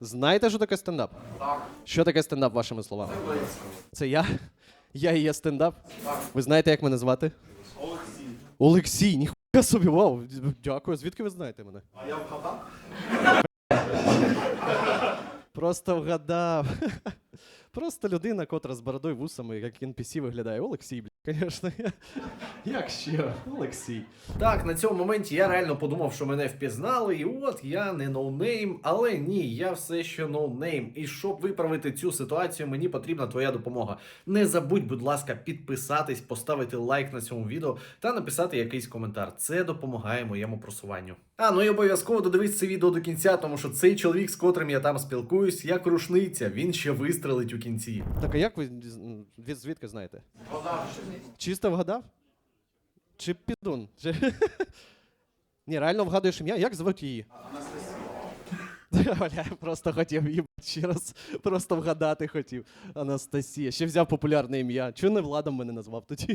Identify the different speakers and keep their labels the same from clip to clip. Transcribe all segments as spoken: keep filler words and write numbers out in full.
Speaker 1: Знаєте, що таке стендап?
Speaker 2: Так.
Speaker 1: Що таке стендап, вашими словами?
Speaker 2: Це близько.
Speaker 1: Це я? Я і є стендап?
Speaker 2: Так.
Speaker 1: Ви знаєте, як мене звати?
Speaker 2: Олексій.
Speaker 1: Олексій, ніхуя собі, вау. Дякую. Звідки ви знаєте мене?
Speaker 2: А я вгадав?
Speaker 1: Просто вгадав. Просто людина, котра з бородою вусами, як ен пі сі виглядає. Олексій, блядь, звісно. Як ще? Олексій.
Speaker 3: Так, на цьому моменті я реально подумав, що мене впізнали, і от я не ноунейм, але ні, я все ще ноунейм. І щоб виправити цю ситуацію, мені потрібна твоя допомога. Не забудь, будь ласка, підписатись, поставити лайк на цьому відео та написати якийсь коментар. Це допомагає моєму просуванню. А, ну і обов'язково додивись це відео до кінця, тому що цей чоловік, з котрим я там спілкуюсь, як рушниця, він ще вистрелить у кінці.
Speaker 1: Так, а як ви від звідки знаєте?
Speaker 2: Вгадав.
Speaker 1: Чисто вгадав? Чи підун? Чи... Ні, реально вгадуєш ім'я? Як звуть її?
Speaker 2: Анастасія.
Speaker 1: Бля, я просто хотів її ще раз просто вгадати хотів. Анастасія. Ще взяв популярне ім'я. Чого не Владом мене назвав тоді?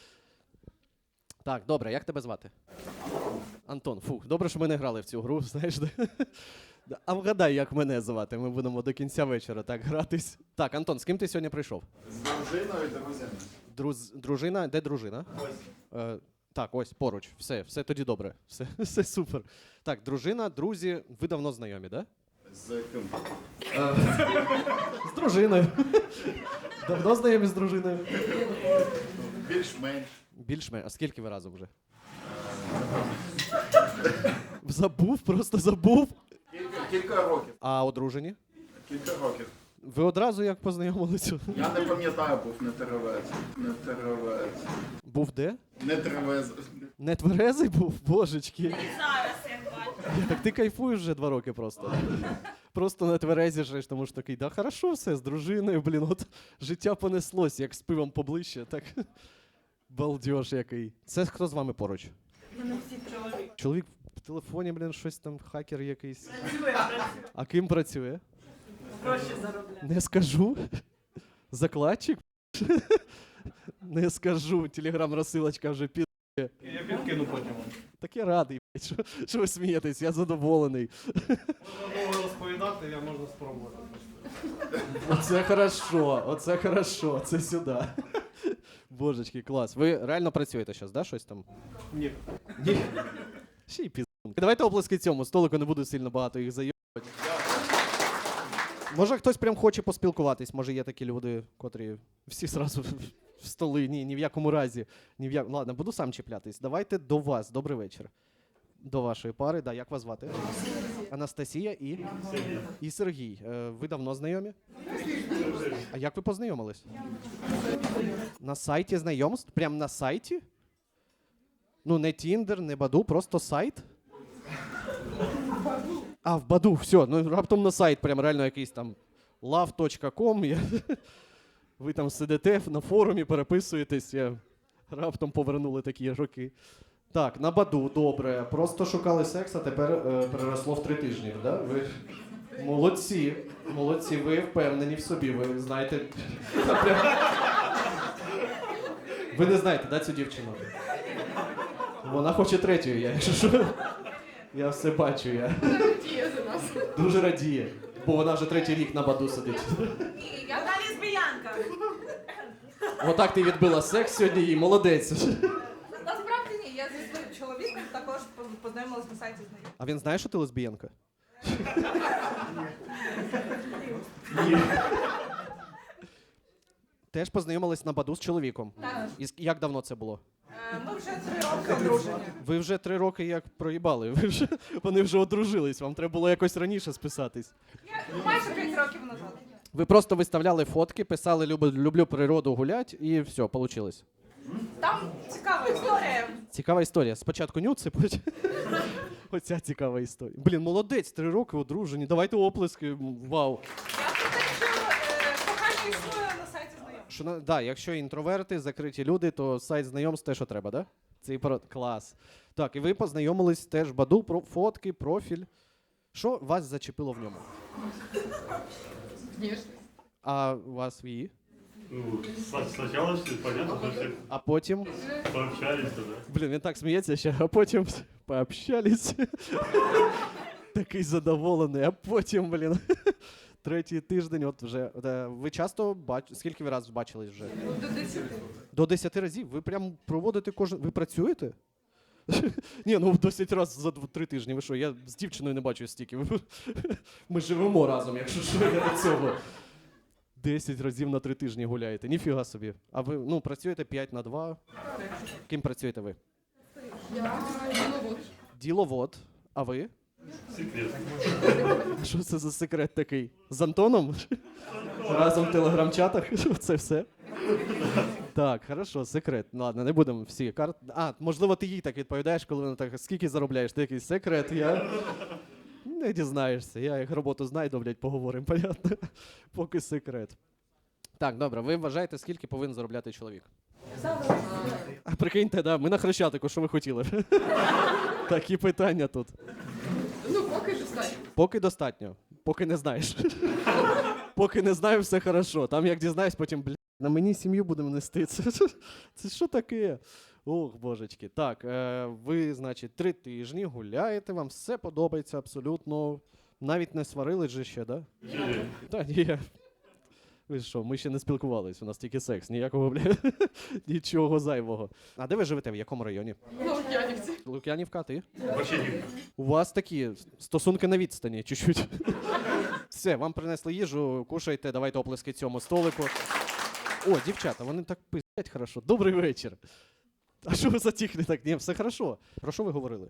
Speaker 1: Так, добре, як тебе звати? Антон, фух, добре, що ми не грали в цю гру, знаєш. Да? А вгадай, як мене звати. Ми будемо до кінця вечора так гратись. Так, Антон, з ким ти сьогодні прийшов?
Speaker 2: З дружиною і друзями.
Speaker 1: Друз... Дружина? Де дружина?
Speaker 2: Ось.
Speaker 1: Е, так, ось поруч. Все, все тоді добре. Все, все супер. Так, дружина, друзі, ви давно знайомі, так?
Speaker 2: З ким?
Speaker 1: Да? Е, з дружиною. Давно знайомі з дружиною?
Speaker 2: Більш-менш.
Speaker 1: Більш-менш. А скільки ви разом вже? Забув, просто забув.
Speaker 2: Кілька, кілька років.
Speaker 1: А одружені?
Speaker 2: Кілька років.
Speaker 1: Ви одразу як познайомилися?
Speaker 2: Я не пам'ятаю, був не теревець. Не теревець.
Speaker 1: Був де?
Speaker 2: Не теревець.
Speaker 1: Не тверезий був? Божечки.
Speaker 4: Зараз як бачу.
Speaker 1: Так ти кайфуєш вже два роки просто. Просто на тверезі жиш, тому що такий, да хорошо все, з дружиною, блін, от життя понеслось, як з пивом поближче, так балдеж який. Це хто з вами поруч?
Speaker 4: Вони всі чоловік.
Speaker 1: Чоловік в телефоні, блін, щось там, хакер якийсь.
Speaker 4: Працює, працює.
Speaker 1: А ким працює?
Speaker 4: Гроші заробляє.
Speaker 1: Не скажу. Закладчик? Не скажу, телеграм-розсилочка вже під...
Speaker 5: Я підкину потім.
Speaker 1: Так я радий, блядь, що, що ви смієтесь, я задоволений.
Speaker 5: Можна довго розповідати, я можна спробувати.
Speaker 1: Оце хорошо, оце хорошо, це сюди. Божечки, клас. Ви реально працюєте зараз, да, щось там?
Speaker 5: Ні.
Speaker 1: Ні. Ще й пізд. Давайте оплески цьому столику, не буду сильно багато їх зайобувати. Може хтось прям хоче поспілкуватись, може є такі люди, котрі всі зразу в столи, ні, ні в якому разі. Ні в як... Ладно, буду сам чіплятись. Давайте до вас, добрий вечір. До вашої пари, да, як вас звати? Анастасія і? Сергій. І Сергій. Е, ви давно знайомі? А як ви познайомились? На сайті знайомств? Прям на сайті? Ну, не Тіндер, не Баду, просто сайт? А, в Баду, все, ну раптом на сайт, прям реально якийсь там лав точка ком. Я... Ви там сидите на форумі, переписуєтесь, я... раптом повернули такі роки. Так, на Баду, добре. Просто шукали секс, а тепер е, переросло в три тижні, да? Ви молодці, молодці, ви впевнені в собі, ви знаєте. Ви не знаєте, да, цю дівчину? Вона хоче третьою, я, якщо що. Я все бачу, я.
Speaker 6: Радіє за нас.
Speaker 1: Дуже радіє, бо вона вже третій рік на Баду сидить.
Speaker 4: Ні, я та лесбіянка.
Speaker 1: Отак ти відбила секс сьогодні їй, молодець.
Speaker 6: Насправді ні, я зі своїм чоловіком також познайомилась на сайті знайомих.
Speaker 1: А він знає, що ти лесбіянка? Ні. Теж познайомились на Баду з чоловіком.
Speaker 6: Так.
Speaker 1: І с- як давно це було?
Speaker 6: Е, Ми вже три роки одружені.
Speaker 1: Ви вже три роки як проїбали, ви вже, вони вже одружились, вам треба було якось раніше списатись.
Speaker 6: Я майже п'ять років назад.
Speaker 1: Ви просто виставляли фотки, писали «люблю, люблю природу гулять» і все, вийшло.
Speaker 6: Там цікава історія.
Speaker 1: Цікава історія. Спочатку нюци, потім... Оця цікава історія. Блін, молодець, три роки одружені, давайте оплески, вау.
Speaker 6: Я про те, що е, кохання існує на сайті знайомих.
Speaker 1: Що, на- да, якщо інтроверти, закриті люди, то сайт знайомств те, що треба, да? Це і про... Клас. Так, і ви познайомились теж в Баду, про фотки, профіль. Що вас зачепило в ньому?
Speaker 6: Звісно.
Speaker 1: А у вас в її?
Speaker 7: Ну, с- сначала все понятно, что все
Speaker 1: А потім?
Speaker 7: пообщались, да.
Speaker 1: Блін, він так сміється ще, а потім пообщались. Такий задоволений, а потім, блін. Третій тиждень, от вже. Е, Ви часто бачите, скільки ви разів бачились вже?
Speaker 6: До десяти.
Speaker 1: До десяти разів? Ви прям проводите кожен. Ви працюєте? Ні, ну десять разів за дв- три тижні. Ви що? Я з дівчиною не бачу стільки. Ви- Ми живемо разом, якщо що, я до цього. Десять разів на три тижні гуляєте. Ніфіга собі. А ви ну, працюєте п'ять на два. Ким працюєте ви?
Speaker 6: Я діловод.
Speaker 1: Діловод. А ви?
Speaker 7: Секрет.
Speaker 1: Що це за секрет такий? З Антоном? Разом в телеграм-чатах? Це все? Так, хорошо, секрет. Ну, ладно, не будемо всі карт. А, можливо, ти їй так відповідаєш, коли вона так, скільки заробляєш? Ти який секрет, я не дізнаєшся. Я як роботу знайду, блядь, поговоримо, понятно? Поки секрет. Так, добре, ви вважаєте, скільки повинен заробляти чоловік? А прикиньте, да, ми на Хрещатику, що ви хотіли? Такі питання тут.
Speaker 6: Ну, поки достатньо.
Speaker 1: Поки достатньо. Поки не знаєш. Поки не знаю, все хорошо. Там як дізнаюсь, потім, блядь, на мені сім'ю будемо нести. Це, це що таке? Ох, божечки. Так, е, ви, значить, три тижні гуляєте, вам все подобається абсолютно. Навіть не сварились же ще, да?
Speaker 7: Или
Speaker 1: Та ні. Ви що, ми ще не спілкувались, у нас тільки секс, ніякого, бля, нічого зайвого. А де ви живете, в якому районі?
Speaker 6: Ну, Янівці.
Speaker 1: Лук'янівка, а ти?
Speaker 7: вообще не.
Speaker 1: У вас такі стосунки на відстані, чуть-чуть. Все, вам принесли їжу, кушайте, давайте оплески цьому столику. О, дівчата, вони так пиздять хорошо. Добрий вечір. А що ви затихли так? Ні, все хорошо. Про що ви говорили?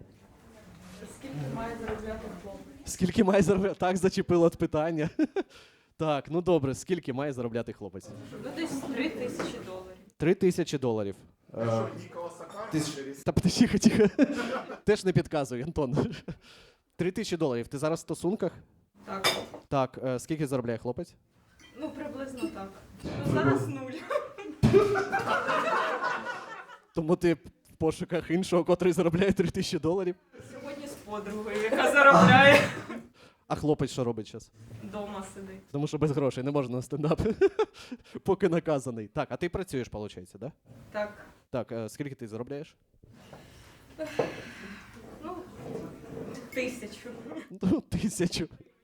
Speaker 6: Скільки має заробляти хлопець?
Speaker 1: Скільки має заробляти? Так, зачепило от питання. Так, ну добре, скільки має заробляти хлопець?
Speaker 4: Ну, десь три тисячі доларів.
Speaker 1: Три тисячі доларів. Е, ти ж- Та тихо, тихо. Теж не підказуй, Антон. Три тисячі доларів. Ти зараз в стосунках?
Speaker 4: Так.
Speaker 1: Так, е, скільки заробляє хлопець?
Speaker 4: Ну, приблизно так. Ну, зараз нуль.
Speaker 1: Тому ти в пошуках іншого, котрий заробляє три тисячі доларів.
Speaker 4: Сьогодні з подругою, яка заробляє.
Speaker 1: А хлопець що робить зараз?
Speaker 4: Дома сидить.
Speaker 1: Тому що без грошей не можна на стендап. Поки наказаний. Так, а ти працюєш, виходить, да?
Speaker 4: Так.
Speaker 1: Так, е, скільки ти заробляєш?
Speaker 4: Ну, тисячу.
Speaker 1: Ну, тисячу.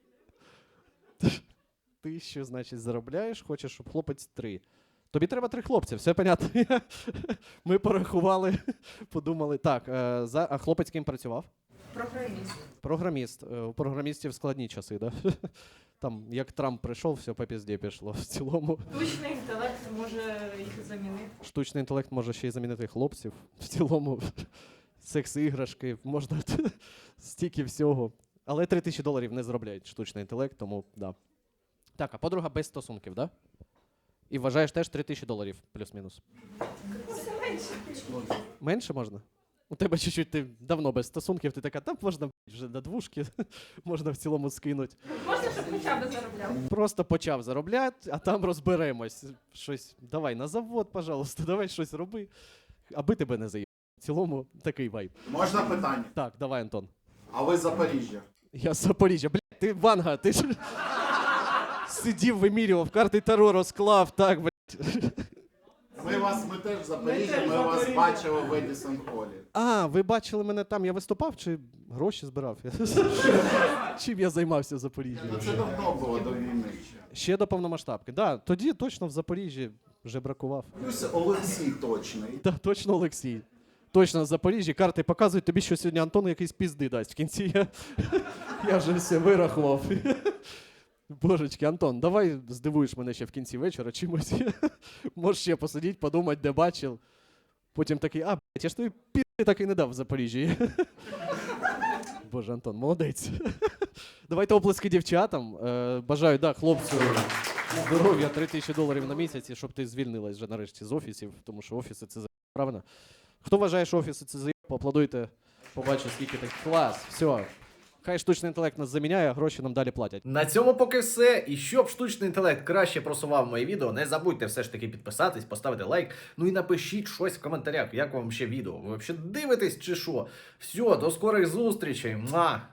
Speaker 1: Тисячу, значить, заробляєш, хочеш, щоб хлопець три. Тобі треба три хлопці, все понятно. Ми порахували, подумали. Так, е, за... а хлопець ким працював?
Speaker 4: Програміст.
Speaker 1: Програміст. Е, У програмістів складні часи, да? Там, як Трамп прийшов, все по пізді пішло. В цілому.
Speaker 4: Штучний інтелект може їх замінити.
Speaker 1: Штучний інтелект може ще й замінити хлопців. В цілому секс-іграшки, можна стільки всього. Але три тисячі доларів не заробляють штучний інтелект, тому да. Так, а подруга без стосунків, да? І вважаєш теж три тисячі доларів, плюс-мінус. Менше можна? У тебе чуть-чуть ти давно без стосунків, ти така, там можна блядь, вже на двушки, можна в цілому скинути.
Speaker 6: Можна, щоб хоча б заробляв?
Speaker 1: Просто почав заробляти, а там розберемось. Щось, давай на завод, пожалуйста, давай щось роби, аби тебе не заїбали. В цілому такий вайб.
Speaker 2: Можна питання?
Speaker 1: Так, давай, Антон.
Speaker 2: А ви з Запоріжжя?
Speaker 1: Я з Запоріжжя. Блядь, ти Ванга, ти ж сидів, вимірював, карти Таро розклав, так, блядь.
Speaker 2: Ми вас, ми теж з Запоріжжя, ми вас бачили в Едісон Холі.
Speaker 1: А, ви бачили мене там, я виступав чи гроші збирав? Чим я займався в Запоріжжі?
Speaker 2: Ну це давно було до війни ще.
Speaker 1: Ще до повномасштабки. Да, тоді точно в Запоріжжі вже бракував.
Speaker 2: Плюс Олексій точний.
Speaker 1: Так, точно Олексій. Точно в Запоріжжі. Карти показують тобі, що сьогодні Антон якийсь пізди дасть. В кінці я, я вже все вирахував. Божечки, Антон, давай здивуєш мене ще в кінці вечора чимось. Можеш ще посидіти, подумати, де бачив. Потім такий, а, блядь, я ж тобі пізди так і не дав в Запоріжжі. Боже, Антон, молодець. Давайте оплески дівчатам. Е, бажаю, да, хлопцю здоров'я, три тисячі доларів на місяць, і щоб ти звільнилась вже нарешті з офісів, тому що офіси це за правильно. Хто вважає, що офіси це за поаплодуйте, побачите, скільки так. Клас, все. Хай штучний інтелект нас заміняє, а гроші нам далі платять.
Speaker 3: На цьому поки все. І щоб штучний інтелект краще просував моє відео, не забудьте все ж таки підписатись, поставити лайк. Ну і напишіть щось в коментарях, як вам ще відео. Ви взагалі дивитесь чи що? Все, до скорих зустрічей. Муа!